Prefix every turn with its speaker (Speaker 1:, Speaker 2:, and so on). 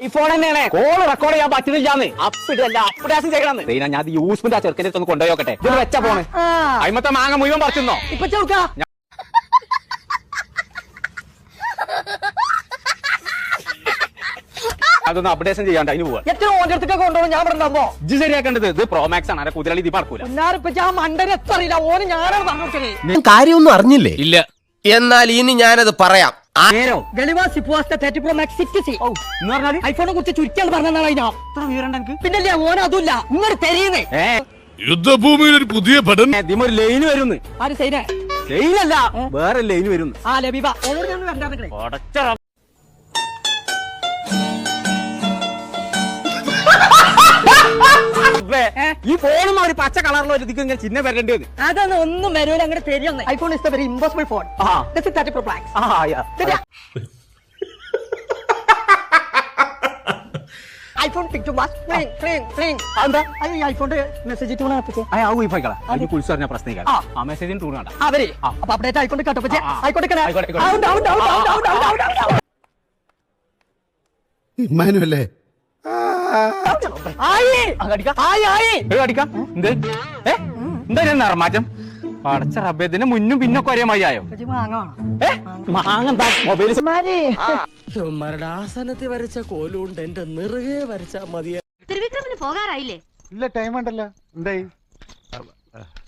Speaker 1: ഈ ഫോൺ തന്നെയാണ് call record ചെയ്യാൻ പറ്റുന്നില്ലാന്ന് അപ്ഡേഷൻ ചെയ്യണമെന്ന് ഞാൻ യൂസ്ഫുൾ ആ ചെറുക്കൻ്റെ അടുത്ത് ഒന്ന് കൊണ്ടുപോയോക്കട്ടെ ഇത് വെച്ച ഫോണ് അയിമത്തെ മാങ്ങ മുഴുവൻ പറിച്ചോ
Speaker 2: ഇപ്പൊ ചോക്ക
Speaker 1: അതൊന്ന് അപ്ഡേഷൻ ചെയ്യാണ്ട് അതിന് പോവാ
Speaker 2: എത്ര ഓന്റെ അടുത്തൊക്കെ കൊണ്ടുപോകും ഞാൻ പറഞ്ഞോ
Speaker 1: ഇത് ശരിയാക്കേണ്ടത് ഇത് പ്രോമാക്സ് ആണ് കുതിരളി ഇത് പറക്കൂല
Speaker 2: ആ മണ്ടനെ എത്ര അറിയില്ല ഓന് ഞാനാണ് പറഞ്ഞു
Speaker 3: കാര്യമൊന്നും അറിഞ്ഞില്ലേ
Speaker 1: ഇല്ല
Speaker 3: എന്നാൽ ഇനി ഞാനത് പറയാം.
Speaker 2: ഐഫോണെ കുറിച്ച് ചുരുക്കിയാണ് പറഞ്ഞതാണ് പിന്നല്ലേ ഓന അതുമില്ല ഇങ്ങനെ തെരയുന്നേ
Speaker 4: യുദ്ധഭൂമിയിൽ ഒരു പുതിയ പഠനം
Speaker 1: ഇതിമൊരു ലൈന് വരുന്നു
Speaker 2: ആര് സൈന
Speaker 1: ലൈനല്ല വേറെ ലൈന് വരുന്നു
Speaker 2: ആ ലബീബ ഓനോട് ഞാൻ വരണ്ടാ
Speaker 1: ഈ ഫോണും ഒരു പച്ച കളറിലോ ഒരു ഇങ്ങനെ ചിഹ്നം വരേണ്ടത്
Speaker 2: അതൊന്നും ഒന്നും വരൂല അങ്ങനെ തരുന്ന iPhone is very impossible phone iPhone picture ഐഫോണിന്റെ മെസ്സേജ്
Speaker 1: കുളിച്ചറിഞ്ഞ പ്രശ്നം ആ മെസ്സേജിന് ടൂൺ കണ്ട
Speaker 2: അവരെ അപ്പൊ അപ്ഡേറ്റ് ആയിക്കൊണ്ട് കേട്ടോ
Speaker 4: ഇമ്മാനുവല്ലേ
Speaker 1: എന്താ നിറമാറ്റം പടച്ച റബ്ബേദിന് മുന്നും പിന്നൊക്കെ ഒരേ മതിയായോ
Speaker 3: ആസനത്തിൽ വരച്ച കോലുകൊണ്ട് എന്റെ നിറകെ വരച്ചാ മതിയാ.
Speaker 5: ത്രിവിക്രമിന് പോകാറായില്ലേ?
Speaker 4: ഇല്ല, ടൈം ഉണ്ടല്ലോ. എന്തായി?